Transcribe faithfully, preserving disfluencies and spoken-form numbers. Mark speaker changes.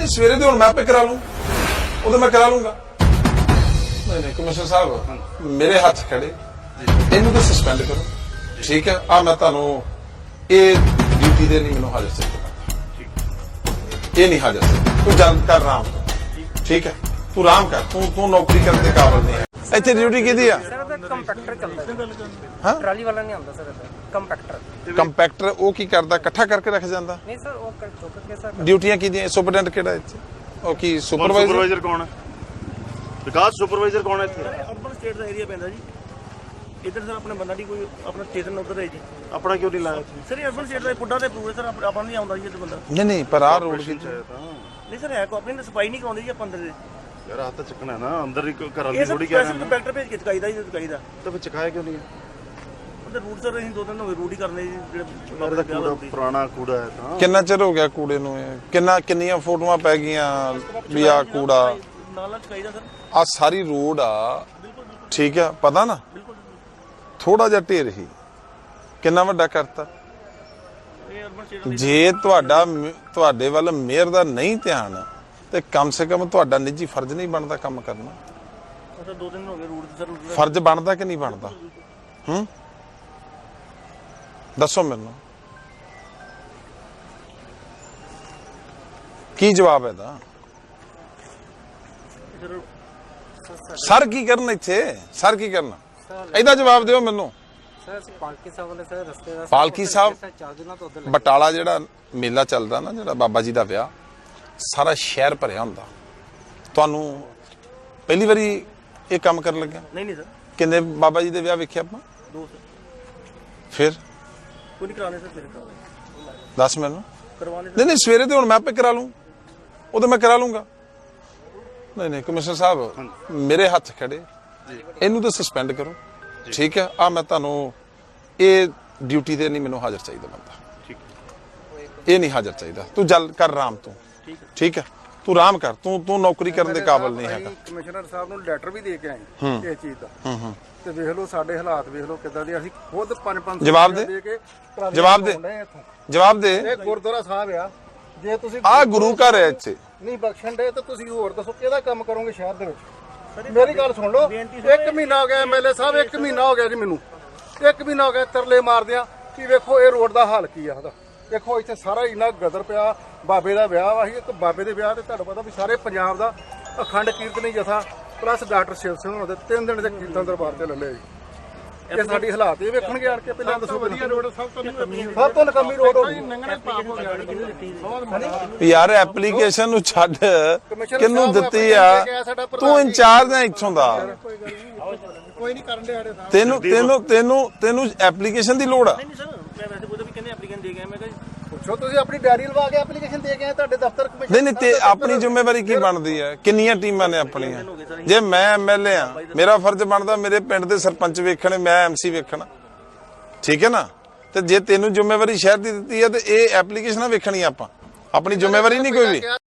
Speaker 1: नहीं सवेरे तो मैं आपे करा लूं, वो तो मैं करा लूंगा। नहीं नहीं कमिश्नर साहब मेरे हाथ खड़े, इन्हू तो सस्पेंड करो, ठीक है। आ मैं तुहानू ये ड्यूटी दे नहीं मैनू हाजिर चाहिए, ये नहीं हाजिर चाहिए। तू जल्द कर राम, ठीक है, तू राम कर, तू तू नौकरी करने के काबिल नहीं है। ਇੱਥੇ ਡਿਊਟੀ ਕਿਹਦੀ ਆ?
Speaker 2: ਕੰਪੈਕਟਰ ਚੱਲਦਾ
Speaker 1: ਹਾਂ
Speaker 2: ਟਰਾਲੀ ਵਾਲਾ ਨਹੀਂ ਆਉਂਦਾ ਸਰ, ਕੰਪੈਕਟਰ।
Speaker 1: ਕੰਪੈਕਟਰ ਉਹ ਕੀ ਕਰਦਾ? ਇਕੱਠਾ ਕਰਕੇ ਰੱਖ ਜਾਂਦਾ?
Speaker 2: ਨਹੀਂ ਸਰ, ਉਹ ਚੁੱਕ ਕੇ ਸਰ।
Speaker 1: ਡਿਊਟੀਆਂ ਕਿਹਦੀਆਂ? ਸੁਪਰਡੈਂਟ ਕਿਹੜਾ ਇੱਥੇ? ਉਹ ਕੀ ਸੁਪਰਵਾਈਜ਼ਰ?
Speaker 3: ਸੁਪਰਵਾਈਜ਼ਰ ਕੌਣ ਹੈ? ਵਿਕਾਸ ਸੁਪਰਵਾਈਜ਼ਰ ਕੌਣ ਹੈ ਇੱਥੇ?
Speaker 4: ਅਰਬਨ ਸਟੇਟ ਦਾ ਏਰੀਆ ਪੈਂਦਾ ਜੀ। ਇੱਧਰ ਸਰ ਆਪਣੇ ਬੰਦਾ ਨਹੀਂ ਕੋਈ, ਆਪਣਾ ਸਟੇਸ਼ਨ ਉੱਧਰ ਹੈ ਜੀ।
Speaker 3: ਆਪਣਾ ਕਿਉਂ ਨਹੀਂ ਲਾਇਆ?
Speaker 4: ਸਰ ਇਹ ਅਰਬਨ ਸਟੇਟ ਦਾ ਪੁੱਡਾ ਤੇ ਅਪਰੂਵ ਹੈ ਸਰ, ਆਪਾਂ ਨਹੀਂ ਆਉਂਦਾ ਜੀ ਇੱਥੇ ਬੰਦਾ।
Speaker 1: ਨਹੀਂ ਨਹੀਂ ਪਰ ਆਹ ਰੋਡ ਕੀ?
Speaker 4: ਨਹੀਂ ਸਰ ਹੈ ਕੋ ਆਪਣੀ ਨੇ ਸਫਾਈ ਨਹੀਂ ਕਰਾਉਂਦੀ ਜੀ ਆਪਾਂ ਅੰਦਰ ਦੇ।
Speaker 3: ਯਾਰ ਹੱਥ ਤਾਂ ਚੱਕਣਾ ਨਾ, ਅੰਦਰ ਹੀ ਘਰ ਵਾਲੀ
Speaker 4: ਇਹ ਸਰ
Speaker 3: ਥੋੜੀ ਕਹਿ
Speaker 4: ਸਪੈਸ਼ਲ ਕੰਪੈਕਟਰ ਭੇਜ ਕੇ ਚਕਾਈਦਾ ਜੀ, ਚਕਾਈਦਾ।
Speaker 3: ਤਾਂ ਫਿਰ ਚਕਾਇਆ ਕਿਉਂ ਨਹੀਂ?
Speaker 4: ਉਹਦੇ ਰੂਟ ਸਰ ਅਸੀਂ ਦੋ ਦਿਨ ਹੋਏ ਰੂਟ ਹੀ ਕਰਨੇ ਜੀ, ਜਿਹੜੇ
Speaker 3: ਯਾਰ ਦਾ ਕੂੜਾ ਪੁਰਾਣਾ ਕੂੜਾ ਹੈ ਤਾਂ।
Speaker 1: ਕਿੰਨਾ ਚਿਰ ਹੋ ਗਿਆ ਕੂੜੇ ਨੂੰ? ਇਹ ਕਿੰਨਾ ਕਿੰਨੀਆਂ ਫੋਟੋਆਂ ਪੈ ਗਈਆਂ ਵੀ ਆ ਕੂੜਾ
Speaker 4: ਨਾਲ ਚਕਾਈਦਾ ਸਰ।
Speaker 1: ਆ ਸਾਰੀ ਰੋਡ ਆ, ਠੀਕ ਆ, ਪਤਾ ਨਾ ਥੋੜਾ ਜਿਹਾ ਢੇਰ ਹੀ ਕਿੰਨਾ ਵੱਡਾ ਕਰਤਾ।
Speaker 4: ਇਹ ਅਰਬਨ ਸਟੇਟ
Speaker 1: ਜੇ ਤੁਹਾਡਾ ਤੁਹਾਡੇ ਵੱਲ ਮੇਅਰ ਦਾ ਨਹੀਂ ਧਿਆਨ ਤੇ ਕਮ ਸੇ ਕਮ ਤੁਹਾਡਾ ਨਿੱਜੀ ਫਰਜ਼ ਨਹੀਂ ਬਣਦਾ ਕੰਮ ਕਰਨਾ?
Speaker 4: ਸਰ ਦੋ ਦਿਨ ਹੋ ਗਏ ਰੂਟ ਸਰ।
Speaker 1: ਫਰਜ਼ ਬਣਦਾ ਕਿ ਨਹੀਂ ਬਣਦਾ? ਹੂੰ ਦੱਸੋ ਮੈਨੂੰ, ਕੀ ਜਵਾਬ ਹੈ ਦਾ? ਸਰ ਕੀ ਕਰਨ ਇੱਥੇ? ਸਰ ਕੀ ਕਰਨਾ? ਇਹਦਾ ਜਵਾਬ ਦਿਓ ਮੈਨੂੰ।
Speaker 2: ਸਰ ਅਸੀਂ ਪਾਲਕੀ ਸਾਹਿਬ ਵਾਲੇ ਸਰ ਰਸਤੇ ਦਾ
Speaker 1: ਪਾਲਕੀ ਸਾਹਿਬ
Speaker 2: ਚਾਰ ਦਿਨਾਂ ਤੋਂ ਉੱਧਰ
Speaker 1: ਬਟਾਲਾ ਜਿਹੜਾ ਮੇਲਾ ਚੱਲਦਾ ਨਾ, ਜਿਹੜਾ ਬਾਬਾ ਜੀ ਦਾ ਵਿਆਹ, ਸਾਰਾ ਸ਼ਹਿਰ ਭਰਿਆ ਹੁੰਦਾ। ਤੁਹਾਨੂੰ ਪਹਿਲੀ ਵਾਰੀ ਇਹ ਕੰਮ ਕਰਨ ਲੱਗਿਆ?
Speaker 4: ਨਹੀਂ ਨਹੀਂ ਸਰ।
Speaker 1: ਕਿੰਨੇ ਬਾਬਾ ਜੀ ਦੇ ਵਿਆਹ ਵੇਖਿਆ ਆਪਾਂ?
Speaker 4: ਦੋ ਸਰ।
Speaker 1: ਫਿਰ
Speaker 4: ਕੋਈ ਨਹੀਂ ਕਰਾਣੇ ਸਰ, ਫਿਰ ਕਰਾਣੇ।
Speaker 1: ਦੱਸ ਮੈਨੂੰ।
Speaker 4: ਕਰਵਾਣੇ
Speaker 1: ਨਹੀਂ ਨਹੀਂ ਸਵੇਰੇ ਤੇ ਹੁਣ ਮੈਂ ਆਪੇ ਕਰਾ ਲੂੰ, ਉਹ ਤਾਂ ਮੈਂ ਕਰਾ ਲੂੰਗਾ। ਨਹੀਂ ਨਹੀਂ ਕਮਿਸ਼ਨਰ ਸਾਹਿਬ ਮੇਰੇ ਹੱਥ ਖੜੇ, ਇਹਨੂੰ ਤਾਂ ਸਸਪੈਂਡ ਕਰੋ, ਠੀਕ ਹੈ। ਆ ਮੈਂ ਤੁਹਾਨੂੰ ਇਹ ਡਿਊਟੀ ਤੇ ਨਹੀਂ ਮੈਨੂੰ ਹਾਜ਼ਰ ਚਾਹੀਦਾ ਬੰਦਾ,
Speaker 3: ਠੀਕ
Speaker 1: ਇਹ ਨਹੀਂ ਹਾਜ਼ਰ ਚਾਹੀਦਾ। ਤੂੰ ਜਲ ਕਰ ਰਾਮ, ਤੂੰ ਠੀਕ ਹੈ, ਤੂੰ ਰਾਮ ਕਰ, ਤੂੰ ਤੂੰ ਨੌਕਰੀ ਕਰਨ ਦੇ ਕਾਬਿਲ ਨਹੀਂ ਹੈਗਾ।
Speaker 5: ਕਮਿਸ਼ਨਰ ਸਾਹਿਬ ਨੂੰ ਲੈਟਰ ਵੀ ਦੇ ਕੇ ਆਏ ਇਸ ਚੀਜ਼ ਦਾ, ਤੇ ਵੇਖ ਲਓ ਸਾਡੇ ਹਾਲਾਤ ਵੇਖ ਲਓ ਕਿੱਦਾਂ ਦੇ। ਅਸੀਂ ਖੁਦ ਪੰਜ ਪੰਜ
Speaker 1: ਜਵਾਬ ਦੇ,
Speaker 5: ਕੇ
Speaker 1: ਜਵਾਬ ਦੇ, ਜਵਾਬ ਦੇ।
Speaker 5: ਇਹ ਗੁਰਦੁਆਰਾ ਸਾਹਿਬ ਆ, ਜੇ ਤੁਸੀਂ
Speaker 1: ਆ ਗੁਰੂ ਘਰ ਹੈ ਇੱਥੇ,
Speaker 5: ਨਹੀਂ ਬਖਸ਼ਣ ਦੇ ਤਾਂ ਤੁਸੀਂ ਹੋਰ ਦੱਸੋ ਕਿਹਦਾ ਕੰਮ ਕਰੋਗੇ ਸ਼ਹਿਰ ਦੇ ਵਿੱਚ? ਮੇਰੀ ਗੱਲ ਸੁਣ ਲਓ, ਇੱਕ ਮਹੀਨਾ ਹੋ ਗਿਆ ਐਮਐਲਏ ਸਾਹਿਬ, ਇੱਕ ਮਹੀਨਾ ਹੋ ਗਿਆ ਜੀ ਮੈਨੂੰ, ਇੱਕ ਮਹੀਨਾ ਹੋ ਗਿਆ ਤਰਲੇ ਮਾਰਦਿਆਂ ਕਿ ਵੇਖੋ ਇਹ ਰੋਡ ਦਾ ਹਾਲ ਕੀ ਆ ਉਹਦਾ। ਦੇਖੋ ਇੱਥੇ ਸਾਰਾ ਇੰਨਾ ਗਦਰ ਪਿਆ। ਬਾਬੇ ਦਾ ਵਿਆਹ ਵਾ, ਇੱਕ ਬਾਬੇ ਦੇ ਵਿਆਹ ਤੇ ਤੁਹਾਨੂੰ ਪਤਾ ਵੀ ਸਾਰੇ ਪੰਜਾਬ ਦਾ ਅਖੰਡ ਕੀਰਤਨੀ ਜਥਾ ਪਲੱਸ ਡਾਕਟਰ ਸ਼ਿਵ ਸਿੰਘ ਹੋਣਾ ਦੇ ਤਿੰਨ ਦਿਨ ਦੇ ਕੀਰਤਨ ਦਰਬਾਰ ਤੇ ਲੱਲੇ ਜੀ। ਇਹ ਸਾਡੀ ਹਾਲਾਤ ਇਹ ਵੇਖਣਗੇ ਆਣ ਕੇ। ਪਹਿਲਾਂ ਦੱਸੋ ਵਧੀਆ ਰੋਡ ਸਭ ਤੋਂ ਸਭ ਤੋਂ ਨਕਮੀ ਰੋਡ ਹੋ ਗਈ
Speaker 1: ਯਾਰ। ਐਪਲੀਕੇਸ਼ਨ ਨੂੰ ਛੱਡ, ਕਿਹਨੂੰ ਦਿੱਤੀ ਆ? ਤੂੰ ਇੰਚਾਰਜ ਹੈ ਇੱਥੋਂ ਦਾ,
Speaker 5: ਕੋਈ ਨਹੀਂ ਕਰਨ ਦੇ ਆੜੇ ਸਾਹਿਬ।
Speaker 1: ਤੈਨੂੰ ਤੈਨੂੰ ਤੈਨੂੰ ਤੈਨੂੰ ਐਪਲੀਕੇਸ਼ਨ ਦੀ ਲੋੜ ਆ?
Speaker 4: ਨਹੀਂ ਸਰ, ਮੈਂ ਵੈਸੇ ਉਹਦਾ ਵੀ ਕਹਿੰਦੇ ਐਪਲੀਕੈਂਟ ਦੇ ਗਏ। ਮੈਂ ਕਿਹਾ
Speaker 5: ਪੁੱਛੋ, ਤੁਸੀਂ ਆਪਣੀ ਡਾਇਰੀ ਲਵਾ ਕੇ ਐਪਲੀਕੇਸ਼ਨ ਦੇ ਕੇ ਆਏ ਤੁਹਾਡੇ ਦਫ਼ਤਰ ਕਮਿਸ਼ਨ?
Speaker 1: ਨਹੀਂ ਨਹੀਂ ਤੇ ਆਪਣੀ ਜ਼ਿੰਮੇਵਾਰੀ ਕੀ ਬਣਦੀ ਹੈ? ਕਿੰਨੀਆਂ ਟੀਮਾਂ ਨੇ ਆਪਣੀਆਂ? ਜੇ ਮੈਂ ਐਮਐਲਏ ਆ, ਮੇਰਾ ਫਰਜ਼ ਬਣਦਾ ਮੇਰੇ ਪਿੰਡ ਦੇ ਸਰਪੰਚ ਵੇਖਣੇ, ਮੈਂ ਐਮਸੀ ਵੇਖਣਾ, ਠੀਕ ਹੈ ਨਾ? ਤੇ ਜੇ ਤੈਨੂੰ ਜ਼ਿੰਮੇਵਾਰੀ ਸ਼ਹਿਰ ਦੀ ਦਿੱਤੀ ਹੈ ਤੇ ਇਹ ਐਪਲੀਕੇਸ਼ਨਾਂ ਵੇਖਣੀਆਂ ਆਪਾਂ, ਆਪਣੀ ਜ਼ਿੰਮੇਵਾਰੀ ਨਹੀਂ ਕੋਈ ਵੀ।